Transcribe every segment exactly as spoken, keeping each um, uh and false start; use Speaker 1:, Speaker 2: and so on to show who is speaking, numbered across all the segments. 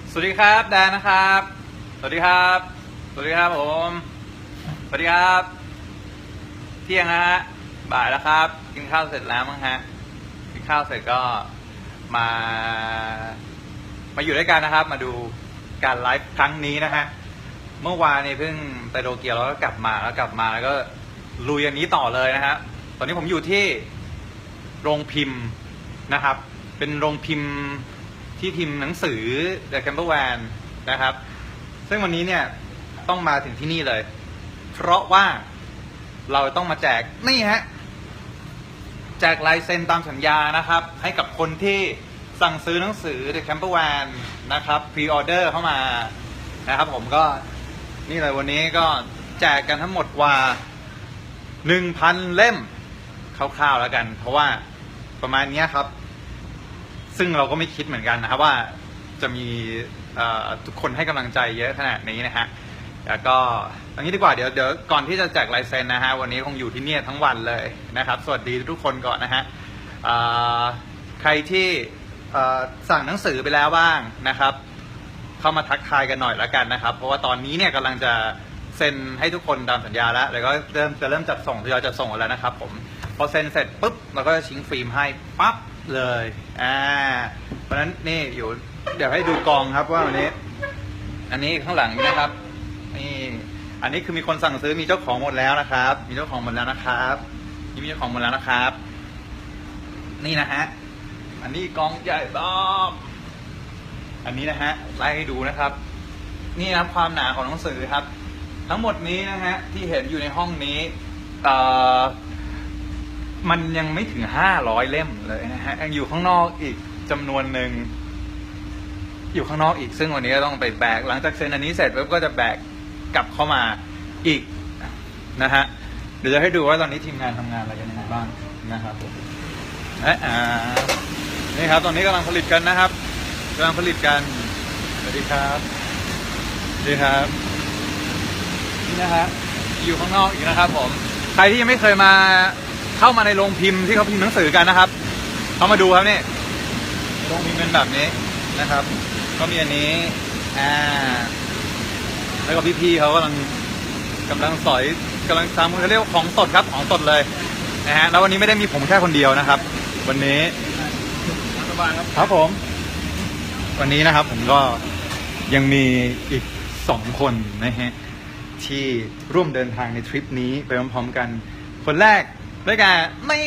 Speaker 1: สวัสดีครับแดนนะครับสวัสดีครับสวัสดีครับผมสวัสดีครับเที่ยงนะฮะบ่ายแล้วครับกินข้าวเสร็จแล้วมั้งฮะกินข้าวเสร็จก็มามาอยู่ด้วยกันนะครับมาดูการไลฟ์ครั้งนี้นะฮะเมื่อวานนี้เพิ่งไปโตเกียวแล้วก็กลับมาแล้วกลับมาแล้วก็ลุยอันนี้ต่อเลยนะฮะตอนนี้ผมอยู่ที่โรงพิมพ์นะครับเป็นโรงพิมพ์ที่พิมพ์หนังสือ The Camper Van นะครับซึ่งวันนี้เนี่ยต้องมาถึงที่นี่เลยเพราะว่าเราต้องมาแจกนี่ฮะแจกลายเซ็นตามสัญญานะครับให้กับคนที่สั่งซื้อหนังสือ The Camper Van นะครับพรีออเดอร์เข้ามานะครับผมก็นี่เลยวันนี้ก็แจกกันทั้งหมดกว่า หนึ่งพัน เล่มคร่าวๆแล้วกันเพราะว่าประมาณนี้ครับซึ่งเราก็ไม่คิดเหมือนกันนะครับว่าจะมีทุกคนให้กำลังใจเยอะขนาดนี้นะฮะแล้วก็อย่างนี้ดีกว่าเดี๋ยวเดี๋ยวก่อนที่จะแจกลายเซ็นนะฮะวันนี้คงอยู่ที่นี่ทั้งวันเลยนะครับสวัสดีทุกคนก่อนนะฮะใครที่สั่งหนังสือไปแล้วบ้างนะครับเข้ามาทักทายกันหน่อยแล้วกันนะครับเพราะว่าตอนนี้เนี่ยกำลังจะเซ็นให้ทุกคนตามสัญญาแล้วแล้วก็เริ่มจะเริ่มจัดส่งทยอยจัดส่งแล้วนะครับผมพอเซ็นเสร็จปุ๊บเราก็จะชิงฟิล์มให้ปั๊บเลยอ่าเพราะฉะนั้นนี่อยู่เดี๋ยวให้ดูกองครับว่าวันนี้อันนี้ข้างหลังนะครับนี่อันนี้คือมีคนสั่งซื้อมีเจ้าของหมดแล้วนะครับมีเจ้าของหมดแล้วนะครับมีเจ้าของหมดแล้วนะครับนี่นะฮะอันนี้กองใหญ่บ้อมอันนี้นะฮะไล่ให้ดูนะครับนี่นะความหนาของหนังสือครับทั้งหมดนี้นะฮะที่เห็นอยู่ในห้องนี้เอ่อมันยังไม่ถึงห้าร้อยเล่มเลยนะฮะยังอยู่ข้างนอกอีกจำนวนหนึ่งอยู่ข้างนอกอีกซึ่งวันนี้ก็ต้องไปแบกหลังจากเซ็นอันนี้เสร็จแล้วก็จะแบกกลับเข้ามาอีกนะฮะเดี๋ยวจะให้ดูว่าตอนนี้ทีมงานทำงานอะไรกันยังไงบ้างนะครับอ่านี่ครับตอนนี้กำลังผลิตกันนะครับกำลังผลิตกันสวัสดีครับสวัสดีครับนี่นะฮะอยู่ข้างนอกอีกนะครับผมใครที่ยังไม่เคยมาเข้ามาในโรงพิมพ์ที่เขาพิมพ์หนังสือกันนะครับเข้ามาดูครับนี่โรงพิมพ์เป็นแบบนี้นะครับก็มีอันนี้อ่าแล้วก็พี่ๆเขากำลังกำลังสอยกำลังทำเขาเรียกว่าของสดครับของสดเลยนะฮะแล้ววันนี้ไม่ได้มีผมแค่คนเดียวนะครับ วันนี้ครับผมวันนี้นะครับผมก็ยังมีอีกสองคนนะฮะที่ร่วมเดินทางในทริปนี้ไปพร้อมๆกันคนแรกด้วยกันไม่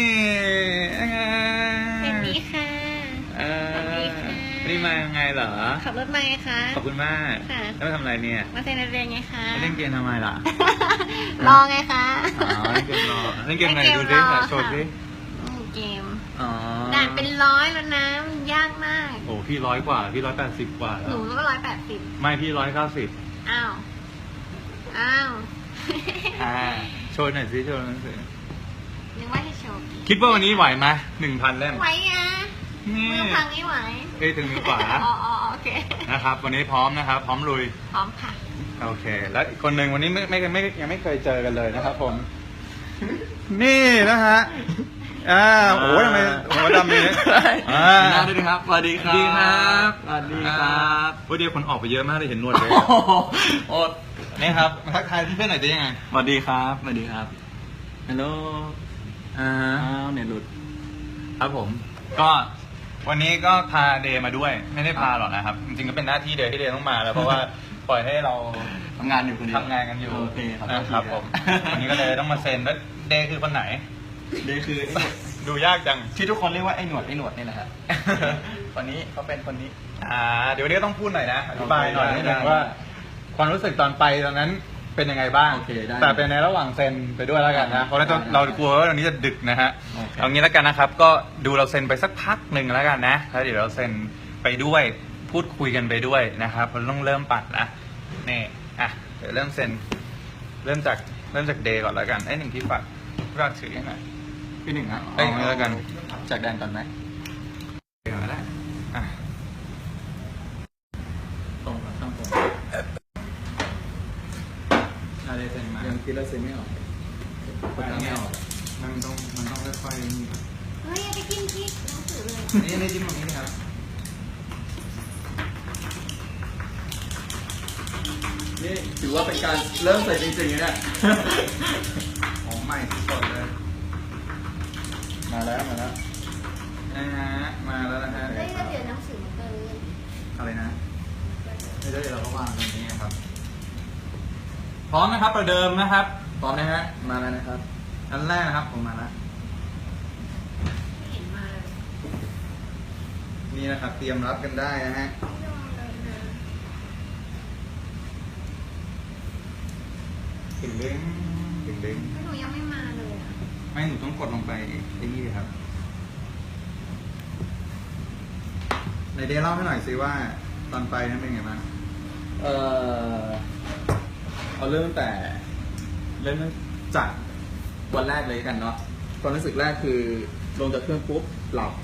Speaker 2: สวัสดีค่ะ
Speaker 1: เออนี่มายังไงเหรอ
Speaker 2: ขับรถมาไงคะ
Speaker 1: ขอบคุณมากค่ะแล้วมาทำอะไรเนี่ย
Speaker 2: มาเซ็นเรียนไงคะ
Speaker 1: เล่นเกมทำไมล่ะ
Speaker 2: รอไงคะ
Speaker 1: อ๋อเล่นเกมรอเล่นเกมไหนดูดิโชว์ดิ
Speaker 2: เกม
Speaker 1: อ๋อ
Speaker 2: ด่านเป็นร้อยแล้วนะยากมาก
Speaker 1: โอ้พี่ร้อยกว่าพี่ร้อยแปดสิบกว่า
Speaker 2: หนูก็ร้อยแปดสิบ
Speaker 1: ไม่พี่ร้อยเก้าสิบ
Speaker 2: อ้าวอ้าว
Speaker 1: อ่าโชว์หน่อยสิโชว์หนังสือ
Speaker 2: นึกว่าให้โชว์
Speaker 1: คิดว่าวันนี้ไหวไหมหนึ่งพันเล่ม
Speaker 2: ไหวอ่ะมือพังไม่ไหว
Speaker 1: เอ้ยถึงมือขวา
Speaker 2: อ๋อโอเค
Speaker 1: นะครับวันนี้พร้อมนะครับพร้อมลุย
Speaker 2: พร้อมค่ะ
Speaker 1: โอเคแล้วอีกคนหนึ่งวันนี้ไม่ไม่ไม่ยังไม่เคยเจอกันเลยนะครับผมนี่นะฮะอ่าโอ้ยทำไมหัวดำนี่อ่า
Speaker 3: น่าด้วยนะครับสวัสดีครับ
Speaker 1: สวัสดีครับ
Speaker 3: สวัสดีครับ
Speaker 1: วันเดียวคนออกไปเยอะมากเลยเห็นนวดเลย
Speaker 3: โอ้
Speaker 1: นี่ครับทักทายเพื่อนหน่อยจะยังไง
Speaker 3: สวัสดีครับสวัสดีครับฮัลโหล
Speaker 1: อ่า
Speaker 3: เนี่ยหลุด
Speaker 1: ครับผมก็วันนี้ก็พาเดย์มาด้วยไม่ได้พาหรอกนะครับจริงๆก็เป็นหน้าที่เดย์ที่เดย์ต้องมาแล้วเพราะว่าปล่อยให้เรา
Speaker 3: ทำงานอยู่คนเดียว
Speaker 1: ทำงานกันอยู่
Speaker 3: โอเค
Speaker 1: นะครับผมวันนี้ก็เลยต้องมาเซ็นแล้วเดย์คือคนไหน
Speaker 3: เดย์คือ
Speaker 1: ดูยากจัง
Speaker 3: ที่ทุกคนเรียกว่าไอ้หนวดไอ้หนวดนี่แหละครับคนนี้เขาเป็นคนนี้
Speaker 1: อ่าเดี๋ยววันนี้ก็ต้องพูดหน่อยนะอธิบายหน่อยนิดนึงว่าความรู้สึกตอนไปตอนนั้นเป็นยังไงบ้างแต่เป็นในระหว่างเซ็นไปด้วยแล้วกันนะเพราะเราเรากลัวว่าตอนนี้จะดึกนะฮะเอางี้แล้วกันนะครับก็ดูเราเซ็นไปสักพักหนึ่งแล้วกันนะแล้วเดี๋ยวเราเซ็นไปด้วยพูดคุยกันไปด้วยนะครับเราต้องเริ่มปัดนะนี่อ่ะเดี๋ยวเริ่มเซ็นเริ่มจากเริ่มจากเดย์ก่อนแล้วกันไอ้หนึ่งที่ฝากฝากถือยังไง
Speaker 3: พี่หนึ่งอ่ะ
Speaker 1: ไอ้หนึ่งแล้วกัน
Speaker 3: จากแดนก่อนไหม
Speaker 1: เดี๋ยวได้อ่ะ
Speaker 3: ตรงกับข้างตรง
Speaker 1: อะไรเซ็นมา
Speaker 3: ยังคิดแล้วเซ็นไม่ออก
Speaker 1: คนไม่ออกมันต้องมันต้องค่อยๆนี่
Speaker 2: เฮ้ยไปกินพริกหนังสือเลย
Speaker 1: นี่นี่จิ้มตรงนี้ครับ
Speaker 3: นี่ถือว่าเป็นการเริ่มใส่จริงๆนะเนี่ย
Speaker 1: ของใหม่สดเลย
Speaker 3: มาแล้วมาแล้ว
Speaker 1: นะฮะมาแล้วนะฮะ
Speaker 2: เฮ้ยแล้วเดี๋ยวหนังสือมันเกิน
Speaker 1: อะไรนะไม่ได้เราก็วางตรงนี้ครับ พร้อมนะครับประเดิมนะครับ
Speaker 3: พร้อมนะฮะมาแล้วนะครับ
Speaker 1: อันแรกนะครับผมมาแล้ว
Speaker 2: ไม่เห็นมาเลย
Speaker 1: นี่นะครับ เตรียมรับกันได้นะฮะ
Speaker 2: ไม่ลองเลยนะ
Speaker 1: ถึงเด้งถึงเด้ง
Speaker 2: ไม่หนูยังไม่มาเลยอะ
Speaker 1: ไม่หนูต้องกดลงไปไอ้นี่ครับในเดย์เล่าให้หน่อยสิว่าตอนไปนั้นเป็นไงบ้าง
Speaker 3: เอ่อเอาเริ่มตั้งแต่เริ่มตั้งจากวันแรกเลยกันเนาะความรู้สึกแรกคือลงจากเครื่องปุ๊บหลับ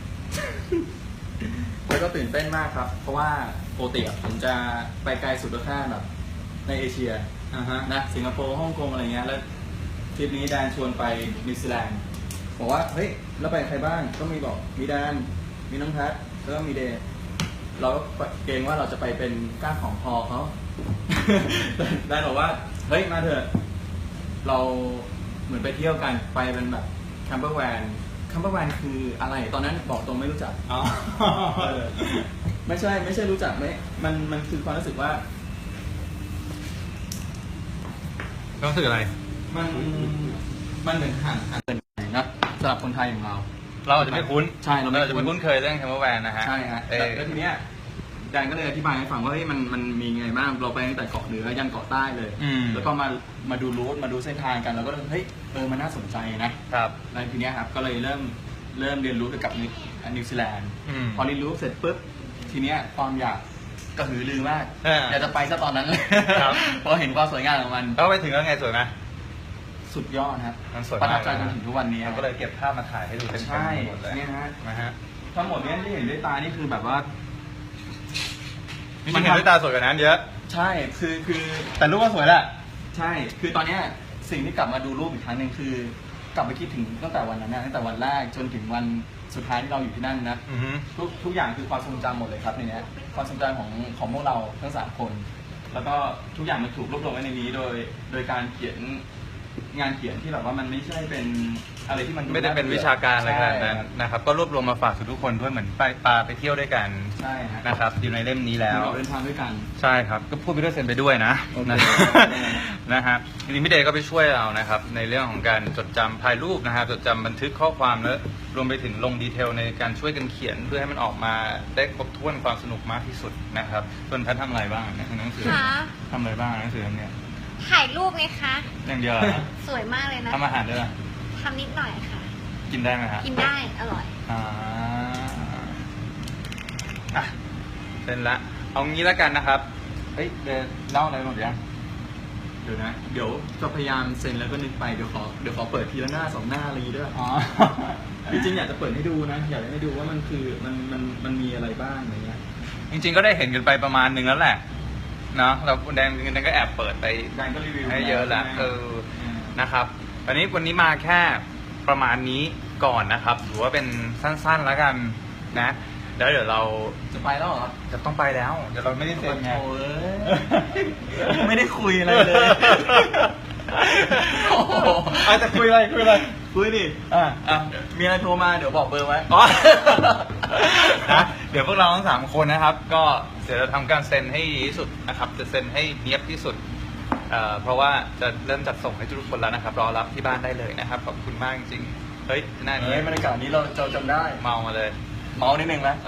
Speaker 3: แล้วก็ตื่นเต้นมากครับ เพราะว่าปกติอะผมจะไปไกลสุดก็แค่แบบในเอเชีย
Speaker 1: อ่าฮะ
Speaker 3: นะสิงคโปร์ฮ่องกงอะไรเงี้ยแล้วทริปนี้แดนชวนไปนิวซีแลนด์บอกว่าเฮ้ยแล้วไปกับใครบ้างก็มีบอกมีแดนมีน้องแพทแล้วก็มีเดย์เราก็เกรงว่าเราจะไปเป็นก้างของพอเขา แดนบอกว่าเฮ้ยมาเถอะเราเหมือนไปเที่ยวกันไปเป็นแบบแคมเปอร์แวนแคมเปอร์แวนคืออะไรตอนนั้นบอกตรงไม่รู้จัก
Speaker 1: อ๋อ
Speaker 3: เออไม่ใช่ไม่ใช่รู้จักไหมมันมันคือความรู้สึกว่า
Speaker 1: รู้สึกอะไร
Speaker 3: มันมันเหมือนห่างห่างเกินไปนะสำหรับคนไทยอย่างเรา
Speaker 1: เราอาจจะไม่คุ้น
Speaker 3: ใช่เราไม่
Speaker 1: เราจะไม่คุ้นเคยเรื่องแคมเปอร์แวนนะฮะ
Speaker 3: ใช่ฮะ
Speaker 1: เออ
Speaker 3: แล้วทีเนี้ยแดนก็เลยอธิบายให้ฟังว่าเฮ้ยมันมันมีไงบ้างเราไปตั้งแต่เกาะเหนือยันเกาะใต้เลย
Speaker 1: อืม
Speaker 3: แล้วก็มามาดูรูทมาดูเส้นทางกันเราก็เลยเฮ้ยเออมันน่าสนใจนะครับ แล้วทีเนี้ยครับก็เลยเริ่มเริ่มเรียนรู้เกี่ยวกับนิวนิวซีแลนด์
Speaker 1: อืม
Speaker 3: พอเรียนรู้เสร็จปุ๊บทีเนี้ยความอยากกระหือรือมาก
Speaker 1: เอออ
Speaker 3: อยากจะไปซะตอนนั้นเลย
Speaker 1: ครับ
Speaker 3: พอเห็นความสวยงามของมัน
Speaker 1: แล้วไปถึงแล้วไงสวยไหม
Speaker 3: สุดยอดครับ
Speaker 1: มันสวย
Speaker 3: ประ
Speaker 1: มา
Speaker 3: ทั
Speaker 1: ก
Speaker 3: บใจจนถึงทุกวันนี้
Speaker 1: เราก็เลยเก็บภาพมาถ่ายให้ดูเต็มๆ
Speaker 3: ใช่
Speaker 1: หมดเลย
Speaker 3: เนี่ยฮะ
Speaker 1: นะฮะ
Speaker 3: ทั้งหมดเนี้ยที่เห็นด้วยตานี่คือแบบว่า
Speaker 1: มันเห็นด้วยตาสวยกว่านั้นเยอะ
Speaker 3: ใช่คือคือ
Speaker 1: แต่รูปก็สวยแหละ
Speaker 3: ใช่ คือตอนเนี้ยสิ่งที่กลับมาดูรูปอีกครั้งหนึ่งคือกลับไปคิดถึงตั้งแต่วันนั้นนะตั้งแต่วันแรกจนถึงวันสุดท้ายที่เราอยู่ที่นั่นนะ
Speaker 1: อือฮึ
Speaker 3: ทุกทุกอย่างคือความทรงจำหมดเลยครับในเนี้ยความทรงจำของของพวกเราทั้งสามคน แล้วก็ทุกอย่างมันถูกรวบรวมไว้ในนี้โดยโดยการเขียนงานเขียนที่แบบว่ามันไม่ใช่เป็นอะไรที่มัน
Speaker 1: ไม่ได้เป็นวิชาการอะไรขนาดนั้น
Speaker 3: ใช่
Speaker 1: นะครับ ก็รวบรวมมาฝากทุกคนด้วยเหมือนไปปลาไปเที่ยวด้วยกัน
Speaker 3: ใช่ฮะ
Speaker 1: นะครับ อยู่ในเล่มนี้แล้ว
Speaker 3: เราเดินทางด้วยกัน
Speaker 1: ใช่ครับ ก็พูดไปด้วยเซ็นไปด้วยนะ
Speaker 3: โอเค
Speaker 1: นะ นะฮะจริงๆพี่เดย์ก็ไปช่วยเรานะครับ ในเรื่องของการจดจำถ่ายรูปนะครับจดจำบันทึกข้อความแล้วรวมไปถึงลงดีเทลในการช่วยกันเขียนเพื่อให้มันออกมาได้ครบถ้วนความสนุกมากที่สุดนะครับส่วนแพททำอะไรบ้างในหนังสือ
Speaker 2: คะ
Speaker 1: ทำอะไรบ้างหนังสือเล่มเนี้ย
Speaker 2: ถ่ายรูปไงคะ
Speaker 1: อย่างเดียวเหรอ
Speaker 2: สวยมากเลยนะ
Speaker 1: ทำอาหารด้วยเหรอ
Speaker 2: ทำนิดหน่อยค่ะ
Speaker 1: กินได้ไหมฮะ
Speaker 2: กินได้อร่อย
Speaker 1: อ่าอ่ะเสร็จละเอางี้แล้วกันนะครับเฮ้ยเดย์เล่าอะไรหมดยัง
Speaker 3: เดี๋ยวนะ เดี๋ยวจะพยายามเซ็นแล้วก็นึกไป เดี๋ยวขอ เดี๋ยวขอเปิดทีละหน้าสองหน้าอะไรอย่างงี้ด้วย
Speaker 1: อ๋อ
Speaker 3: จริงๆอยากจะเปิดให้ดูนะ อยากให้ดูว่ามันคือ มัน มัน มันมีอะไรบ้างอะไรเงี้ย
Speaker 1: จริงๆก็ได้เห็นกันไปประมาณนึงแล้วแหละเนาะเราแดงแดงก็แอบเปิดไป
Speaker 3: แดงก็รีวิว
Speaker 1: ให้เยอะแล้ว
Speaker 3: ใช่ไหม
Speaker 1: เออนะครับตอนนี้วันนี้มาแค่ประมาณนี้ก่อนนะครับถือว่าเป็นสั้นๆแล้วกันนะแล้วเดี๋ยวเรา
Speaker 3: จะไปแล้วเหรอ
Speaker 1: จะต้องไปแล้วเดี๋ยวเราไม่ได้เซ็นไง
Speaker 3: โอ้ยยังไม่ได้คุยอะไรเลย โอ้โห
Speaker 1: อาจจะคุยอะไรคุยอะไร
Speaker 3: คุยดิ
Speaker 1: อ่า
Speaker 3: อ่ะ มีอะไรโทรมาเดี๋ยวบอกเบอร์ไว้
Speaker 1: อ๋อ นะเดี๋ยวพวกเราทั้งสามคนนะครับ ก็เดี๋ยวเราทำการเซ็นให้ดีที่สุดนะครับ จะเซ็นให้เนียบที่สุดเอ่อเพราะว่าจะเริ่มจัดส่งให้ทุกคนแล้วนะครับ รอรับที่บ้านได้เลยนะครับ ขอบคุณมากจริงๆเฮ้ยหน้านี้
Speaker 3: เฮ้ยบรรยากาศนี้เราเราจำได้
Speaker 1: เมามาเลย
Speaker 3: เมานิดนึงไหม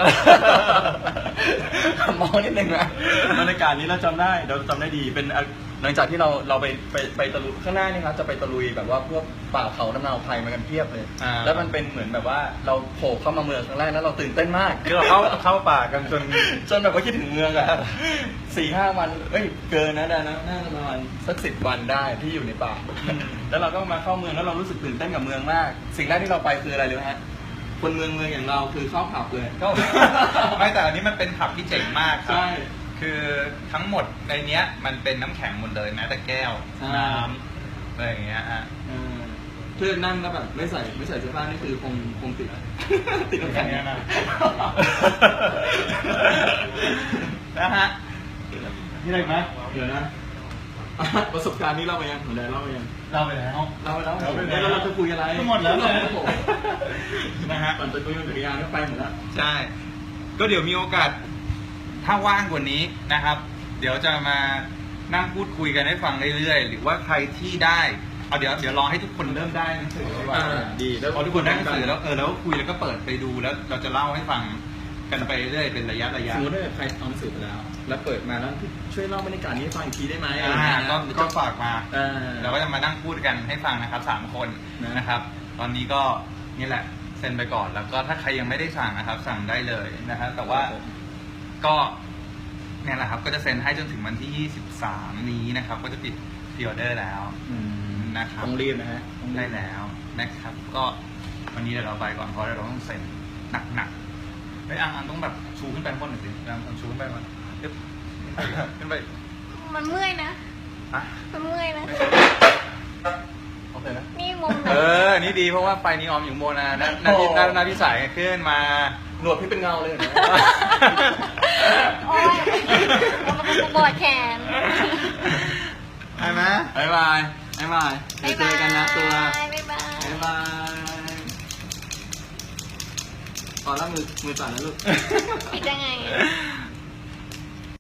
Speaker 3: เมานิดนึงนะบรรยากาศนี้เราจำได้เราจำได้ดีเป็นอ่ะหลังจากที่เราเราไปไปไปตะลุยข้างหน้านี่ครับจะไปตะลุยแบบว่าพวกป่าเขาน้ำนาวไพรมากันเพียบเลย
Speaker 1: อ่า
Speaker 3: แล้วมันเป็นเหมือนแบบว่าเราโผล่เข้ามาเมืองครั้งแรกแล้วเราตื่นเต้นมาก
Speaker 1: คือเราเข้าเข้าป่ากันจน
Speaker 3: จนแบบว่าคิดถึงเมืองอะสี่ห้าวันเอ้ยเกินนะดานะน่าจะประมาณสักสิบวันได้ที่อยู่ในป่า แล้วเราก็มาเข้าเมืองแล้วเรารู้สึกตื่นเต้นกับเมืองมาก สิ่งแรกที่เราไปคืออะไรรู้ไหมฮะคนเมืองเมืองอย่างเราคือเข้าผับเลย
Speaker 1: ก็ ไม่แต่อันนี้มันเป็นผับที่เจ๋งมากครับ
Speaker 3: ใช่
Speaker 1: คือทั้งหมดในเนี้ยมันเป็นน้ำแข็งหมดเลยแม้แต่แก้ว
Speaker 3: ใช่
Speaker 1: น้ำอะไรอย่างเงี้ยอ่ะ
Speaker 3: เออเพื่อนนั่งแล้วแบบไม่ใส่ไม่ใส่เสื้อผ้านี่คือคงคงติด ติดน้ำแข็ง
Speaker 1: อย่างเงี้ยนะ นะฮะ
Speaker 3: นี่อะไรไหมเดี๋ยวนะประสบการณ์นี้เล่าไปยังหัวแดงเล่าไปยัง
Speaker 1: เล่าไปแล้ว
Speaker 3: เล่าไปแล้ว
Speaker 1: เล่าไปแล้ว
Speaker 3: แล้วเราจะคุยอะไร
Speaker 1: ก็หมดแล้วเลย
Speaker 3: โอ้โห
Speaker 1: นะฮะ
Speaker 3: ก่อนจะคุยกันจักรยานก็ไปหมดแล้ว
Speaker 1: ใช่ ก็เดี๋ยวมีโอกาส ถ้าว่างกว่านี้นะครับ เดี๋ยวจะมานั่งพูดคุยกันให้ฟังเรื่อยๆ หรือว่าใครที่ได้ เอาเดี๋ยวเดี๋ยวรอให้ทุกคนเริ่มได้หนังสือดีกว่า
Speaker 3: อ่าดีแล้ว
Speaker 1: พอทุกคนได้หนังสือแล้วเออแล้วคุยแล้วก็เปิดไปดูแล้วเราจะเล่าให้ฟังกันไปเรื่อยเป็นระยะระยะ
Speaker 3: สมมติถ้าเกิดใครเอาหนังสือไปแล้ว แล้วเปิดมาแล้วช่วยเล่าบรรยากาศนี้ให้ฟังอีกทีได้ไหมอะไร
Speaker 1: อ่า
Speaker 3: เงี้ย
Speaker 1: ก็ก็ฝากมา
Speaker 3: เออ
Speaker 1: เราก็จะมานั่งพูดกันให้ฟังนะครับสามคน
Speaker 3: นะ
Speaker 1: นะครับ ตอนนี้ก็นี่แหละเซ็นไปก่อนแล้วก็ถ้าใครยังไม่ได้สั่งนะครับ สั่งได้เลยนะครับแต่ว่าก็เนี่ยแหละครับก็จะเซ็นให้จนถึงวันที่ยี่สิบสามนี้นะครับ ก็จะปิดพรีออเดอร์แล้ว
Speaker 3: อืม
Speaker 1: นะครับ
Speaker 3: ต้องรีบนะฮะต้องรีบ
Speaker 1: ได้แล้วนะครับ ก็วันนี้เดี๋ยวเราไปก่อนเพราะเราต้องเซ็นหนักๆไอ้ยอังอังต้องแบบชูขึ้นไปข้างบนหน่อยสิอังอังชูขึ้นไปมันเดี๋ยวขึ้นไป
Speaker 2: มันเมื่อยนะ
Speaker 1: อ่ะ
Speaker 2: มันเมื่อยนะ
Speaker 1: โอเคนะ
Speaker 2: นี่มุมไหน
Speaker 1: เออ นี่ดีเพราะว่าไฟนีออมอยู่โมนาหน้าหน้าที่หน้าหน้าที่สายขึ้นมา
Speaker 3: หนวดพี่เป็นเงาเลยนะ
Speaker 2: โอ้ยเอามาปวดแขน
Speaker 3: ใช่ไหมบายบายบายบายเดี๋ยวเจอกันนะตัว
Speaker 2: บ๊ายบาย
Speaker 3: บายบายอ๋อแล้วมือมือสั่นแล้วลูก
Speaker 2: ปิดยังไง